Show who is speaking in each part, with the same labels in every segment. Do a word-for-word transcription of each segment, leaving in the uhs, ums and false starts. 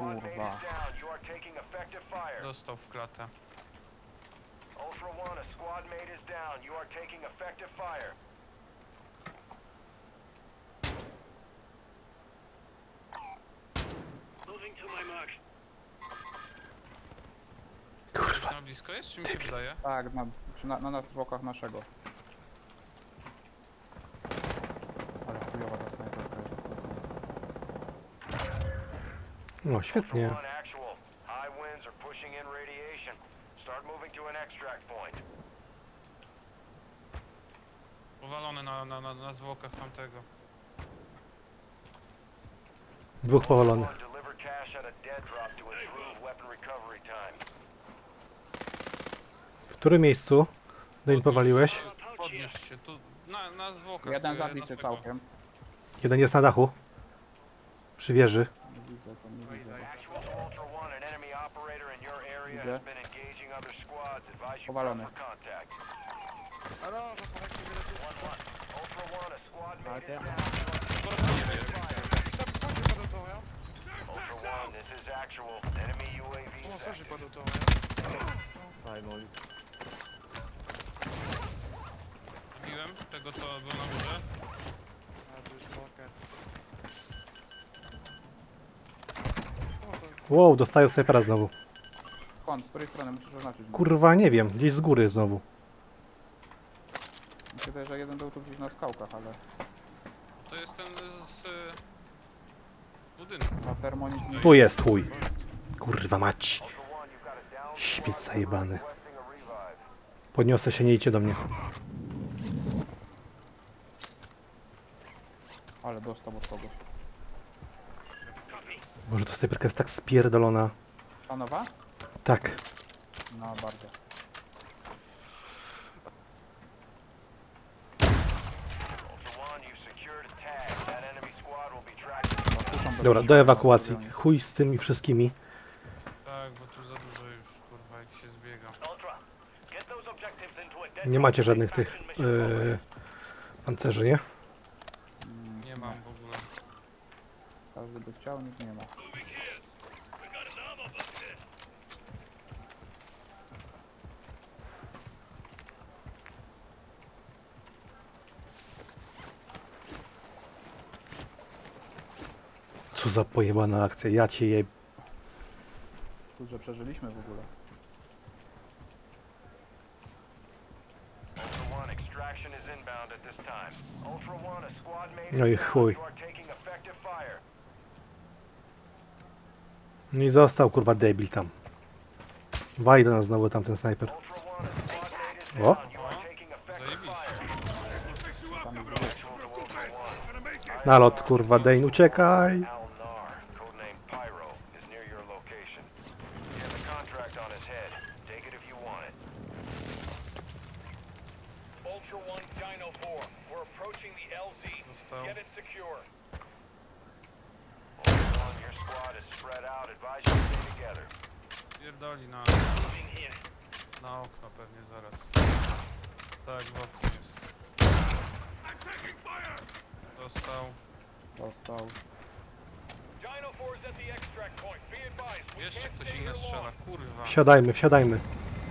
Speaker 1: Kurwa.
Speaker 2: Dostał w klatę.
Speaker 3: Ultra One, a squad mate is down. You are taking effective fire. Moving to my mark.
Speaker 2: Kurwa. Na blisko jest, czy mi się wydaje?
Speaker 1: Tak, na, przy, na, na, na zwłokach naszego. Ale chujowa ta snajperka jest.
Speaker 4: No świetnie.
Speaker 3: Ultra One, actual. High winds are pushing in radiation. Start moving to an extract point.
Speaker 2: Powalony na, na, na, na zwłokach tamtego.
Speaker 4: Dwóch powalonych.
Speaker 3: Ultra One, deliver cash at a dead drop to improve weapon recovery time.
Speaker 4: W którym miejscu Dane powaliłeś?
Speaker 2: Podnieś się, tu na, na zwłokach.
Speaker 1: Jeden
Speaker 2: e,
Speaker 1: zabity
Speaker 2: naszego.
Speaker 1: całkiem.
Speaker 4: Jeden jest na dachu. Przy wieży.
Speaker 1: Nie widzę, to nie widzę.
Speaker 3: Actual to Ultra One, an enemy operator in your area
Speaker 1: Widzę.
Speaker 3: has been engaging other squads. Advise you
Speaker 1: Powalony.
Speaker 3: for contact.
Speaker 5: Alors, j'entendais que tu veux
Speaker 3: One One, Ultra One, a squad mate is
Speaker 5: terre.
Speaker 3: down.
Speaker 2: Porozmawiamy jest.
Speaker 5: Ça, pourquoi j'ai pas d'auto-rien?
Speaker 3: Ultra One, this is actual. Enemy U A V
Speaker 5: Comment
Speaker 3: is
Speaker 5: ça, j'ai
Speaker 3: active.
Speaker 5: pas d'auto-rien?
Speaker 2: Zabiłem tego, co był na górze.
Speaker 5: un, deux, trois, quatre. Comment ça?
Speaker 4: Wow, dostaję snajpera znowu.
Speaker 1: Skąd? Z której strony musisz oznaczyć?
Speaker 4: Kurwa, nie wiem. Gdzieś z góry znowu.
Speaker 1: Mi się wydaje, że jeden był tu gdzieś na skałkach, ale
Speaker 2: To jest ten z y, budynku.
Speaker 1: na termonit nie...
Speaker 4: Tu jest chuj. Kurwa mać.
Speaker 3: Ultra One, you've got a down
Speaker 4: Śmieć
Speaker 3: squad
Speaker 4: zajebany.
Speaker 3: requesting a revive.
Speaker 4: Podniosę się, nie idźcie do mnie.
Speaker 1: Ale dostał od kogoś.
Speaker 4: Boże, ta snajperka jest tak spierdolona.
Speaker 1: Ta nowa?
Speaker 4: Tak.
Speaker 1: No, bardzo.
Speaker 3: Ultra One, you've secured a tag. That enemy squad will be tracked.
Speaker 1: Tu są
Speaker 4: Dobra,
Speaker 1: bezpieczni,
Speaker 4: do
Speaker 1: na
Speaker 4: ewakuacji.
Speaker 1: stadionie.
Speaker 4: Chuj z tymi wszystkimi.
Speaker 2: Tak, bo tu za dużo już, kurwa, jak się zbiega.
Speaker 3: Ultra, get those objectives into a dead
Speaker 4: Nie macie
Speaker 3: drop
Speaker 4: żadnych tych
Speaker 3: extraction mission program.
Speaker 4: yy, pancerzy, nie?
Speaker 1: Mm,
Speaker 2: Nie mam w ogóle.
Speaker 1: Każdy by chciał, nikt nie ma.
Speaker 4: Co za pojebana akcja, ja cię je...
Speaker 1: Cóż, że przeżyliśmy w ogóle.
Speaker 3: Ultra One, extraction is inbound at this time. Ultra One, a squad mate
Speaker 4: No i
Speaker 3: is down.
Speaker 4: chuj.
Speaker 3: You are taking effective fire.
Speaker 4: No i został kurwa debil tam. Wali do nas znowu tamten snajper.
Speaker 3: Ultra One, a squad mate is
Speaker 4: O.
Speaker 3: down. You are taking effective
Speaker 2: Zajebiście.
Speaker 3: fire.
Speaker 1: Tam jest
Speaker 3: Actual to Ultra One.
Speaker 4: Nalot kurwa Dane, uciekaj!
Speaker 3: Al Nar, codename Pyro, is near your location. He has a contract on his head. Take it if you want it. Ultra One, Dino four. We're approaching the L Z.
Speaker 2: Dostał.
Speaker 3: Get it secure. Ultra One, your squad is spread out. Advise you stay together.
Speaker 2: Pierdoli na,
Speaker 3: Moving here.
Speaker 2: na okno pewnie zaraz. Tak, w oknie jest. Dostał.
Speaker 1: Dostał.
Speaker 3: Dino four is at the extract point. Be advised. we
Speaker 2: Jeszcze
Speaker 3: can't
Speaker 2: ktoś
Speaker 3: stay
Speaker 2: inny
Speaker 3: here
Speaker 2: strzela,
Speaker 3: long.
Speaker 2: kurwa.
Speaker 4: Wsiadajmy, wsiadajmy.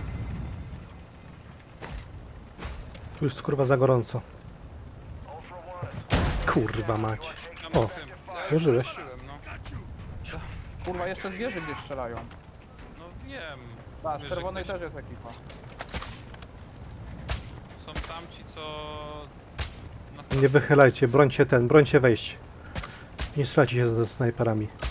Speaker 4: Tu jest kurwa za gorąco.
Speaker 3: Ultra One, a squad
Speaker 4: Kurwa
Speaker 3: down.
Speaker 4: mać.
Speaker 3: You are taking
Speaker 2: Ja
Speaker 4: O,
Speaker 2: mówię, ja już
Speaker 4: przeżyłeś.
Speaker 2: zobaczyłem, no.
Speaker 1: Kurwa, jeszcze z wieży gdzieś strzelają.
Speaker 2: No wiem.
Speaker 1: Tak,
Speaker 2: Wiesz,
Speaker 1: z czerwonej
Speaker 2: że
Speaker 1: też jest ekipa.
Speaker 2: Są tamci, co... Na
Speaker 4: Nie
Speaker 2: stacji.
Speaker 4: wychylajcie, brońcie ten, brońcie wejść. Nie strzelajcie się ze snajperami.